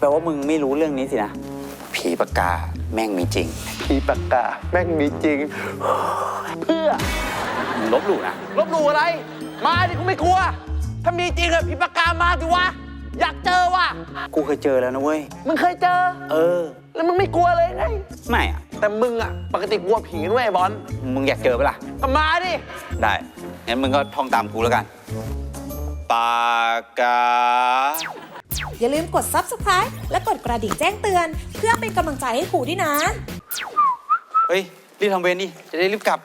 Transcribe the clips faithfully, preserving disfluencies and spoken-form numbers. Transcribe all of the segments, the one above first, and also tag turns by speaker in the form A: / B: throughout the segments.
A: ลว่ามึงไม่รู้เรื่องนี้สินะผีปากกาแม่งมีจริงผีปากกาแม่งมีจริงเพื่อมึงลบหลู่นะ
B: ลบหลู่อะไรมาดิกูไม่กลัวถ้ามีจริงอะผีปากกามาดิวะอยากเจอว่ะ
A: กูเคยเจอแล้วนะเว้ย
B: มึงเคยเจอ
A: เออ
B: แล้วมึงไม่กลัวเลยไง
A: ไม่อะ
B: แต่มึงอะปกติกลัวผีด้วยไอ้บอล
A: มึงอยากเจอปะล่ะ
B: ก็มาดิ
A: ได้งั้นมึงก็ท่องตามกูแล้วกันปากกา
C: อย่าลืมกด ซับสไครบ์ และกดกระดิ่งแจ้งเตือนเพื่อเป็นกำลังใจให้ครูด้วยนะ
A: เฮ้ยรีบทำเวรดิจะได้รีบกลับ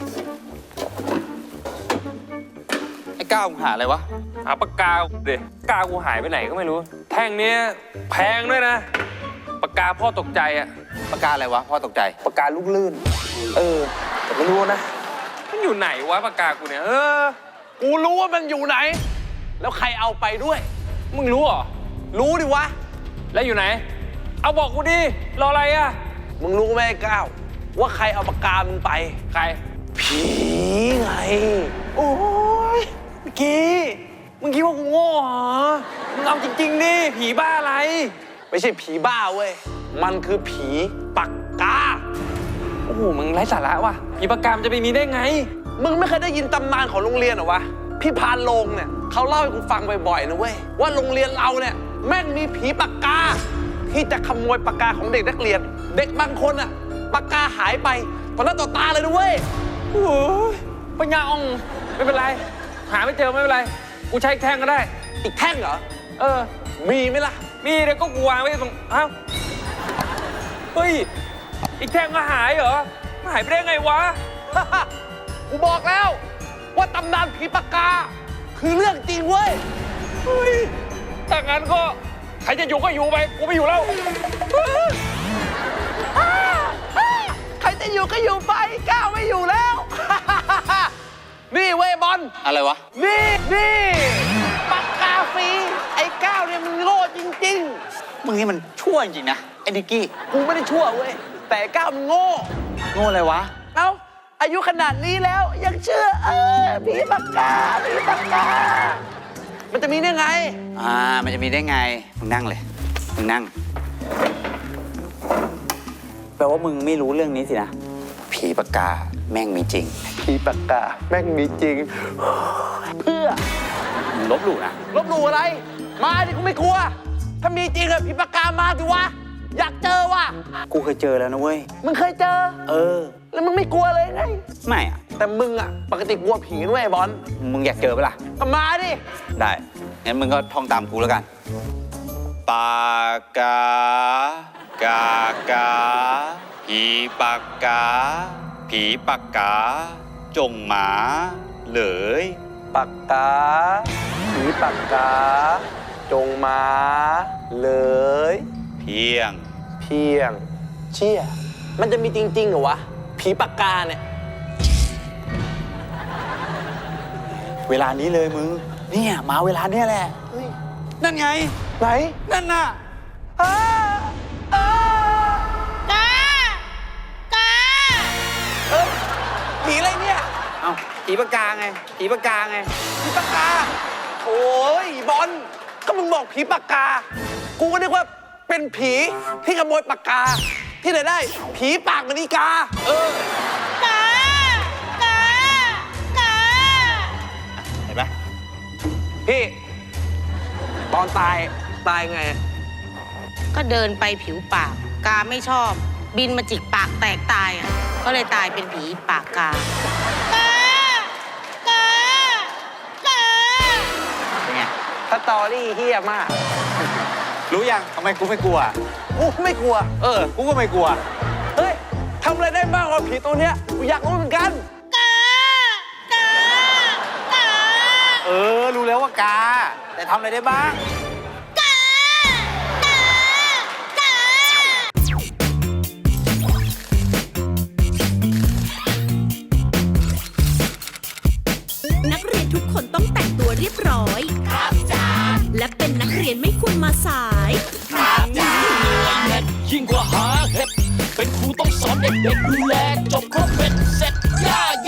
A: ไอ้ก้าวมึงหาอะไรวะ
D: หาปากกาเด็กกากูหายไปไหนก็ไม่รู้แท่งเนี้ยแพงด้วยนะปากกาพ่อตกใจอะ
A: ปากกาอะไรวะพ่อตกใจ
B: ปากกาลูกลื่นเออแต่ไม่รู้นะ
D: มันอยู่ไหนวะปากกากูเนี่ยเออ
B: กูรู้ว่ามันอยู่ไหนแล้วใครเอาไปด้วย
D: มึงรู้เหรอ
B: รู้ดิวะ
D: แล้วอยู่ไหนเอาบอกกูดิรออะไรอะ
B: มึงรู้ไหมก้าวว่าใครเอาปากกามึงไป
D: ใคร
B: ผีไงโอ้ยเมื่อกี้มึงคิดว่ากูโง่เหรอ
D: มึงเอาจริงๆดิผีบ้าอะไร
B: ไม่ใช่ผีบ้าเว้ยมันคือผีปากกา
D: โอ้โหมึงไร้สาระว่ะผีปากกามันจะไปมีได้ไง
B: มึงไม่เคยได้ยินตำนานของโรงเรียนเหรอวะพี่พานโรงเนี่ยเขาเล่าให้กูฟังบ่อยๆนะเว้ยว่าโรงเรียนเราเนี่ยแม่งมีผีปากกาที่จะขโมยปากกาของเด็กนักเรียนเด็กบางคนอะปากกาหายไปต่อหน้าต่อตาเลยนะเว้ย
D: โอ้ยปัญญาอ่องไม่เป็นไรหาไม่เจอไม่เป็นไรกูใช้แท่งก็ได้
B: อีกแท่งเหรอ
D: เออ
B: มีไหมล่ะ
D: มีเดี๋ยวก็กูวางไว้ตรงอ้าวเฮ้ยอีกแท่งก็หายเหรอหายไปได้ไงวะ
B: กูบอกแล้วว่าตำนานผีปากกาคือเรื่องจริงเว้ย
D: เฮ้ยถ้างั้นก็ใครจะอยู่ก็อยู่ไปกูไม่อยู่แล้ว
B: ใครจะอยู่ก็อยู่ไปก้าวไม่อยู่แล้วนี่เว้ยบอล
A: อะไรวะ
B: นี่นี่ปากกาฟรีไอ้ก้าวเนี่ยมึงโง่จริง
A: ๆมึงนี่มันชั่วจริงๆนะไอ้นิกกี้
B: กูไม่ได้ชั่วเว้ยแต่ก้าวมึงโง่
A: โง่อะไรวะ
B: เอ้าอายุขนาดนี้แล้วยังเชื่อเออผีปากกาผีปากกามันจะมีได้ไง
A: อ่ามันจะมีได้ไงมึงนั่งเลยมึงนั่งแปลว่ามึงไม่รู้เรื่องนี้สินะผีปากกาแม่งมีจริงผีปากกาแม่งมีจริงเพื่อมึงลบหลู่นะ
B: ลบหลู่อะไรมาดิกูไม่กลัวถ้ามีจริงอะผีปากกามาดิวะอยากเจอว่ะ
A: กูเคยเจอแล้วนะเว้ย
B: มึงเคยเจอ
A: เออ
B: แล้วมึงไม่กลัวเลยไง
A: ไม่อะ
B: แต่มึงอะปกติกลัวผีด้วยไอ้บอล
A: มึงอยากเจอปะล่ะ
B: ก็มาดิ
A: ได้งั้นมึงก็ท่องตามกูแล้วกันปากกากากาผีปากกาผีปากกาจงหมาเลย
B: ปากกาผีปากกาจงมาเลย
A: เพียง
B: เพียงเชี่ยมันจะมีจริงๆเหรอวะผีปากกาเนี่ย
A: เวลานี้เลยมึงเนี่ยมาเวลาเนี้ยแหละนั่นไง
B: ไหน
A: นั่นน่ะ
B: อ้าอ้ากา กาเอ้ยผีอะไรเนี่ย
A: เอ้าผีปากกาไงผีปากกาไง
B: ผีปากกาโอ้ยบอลก็มึงบอกผีปากกากูก็นึกว่าเป็นผีที่ขโมยปากกาที่ไหนได้ผีปากมณีกาเออกากากา
A: เห็นไหม
B: พี่ตอนตายตายไง
E: ก็เดินไปผิวปากกาไม่ชอบบินมาจิกปากแตกตายอ่ะก็เลยตายเป็นผีปากกากากากา
A: เป็นไง
B: สตอรี่เฮี้ยมาก
A: รู้ยังทำไมกูไม่กลัว
B: กูไม่กลัว
A: เออกูก็ไม่กลัว
B: เฮ้ยทำอะไรได้บ้างกับผีตัวเนี้ยกูอยากรู้เหมือนกัน
E: กากากา
A: เออรู้แล้วว่ากาแต่ทำอะไรได้บ้าง
E: กากากา
C: นักเรียนทุกคนต้องแต่งตัวเรียบร้อยครับจ้าและเป็นนักเรียนไม่ควรมาสาย
F: ครับจ้ายิ่งกว่าหาเห็ดเป็นครูต้องสอนเด็กๆดูแลจบครบเป็นเสร็จ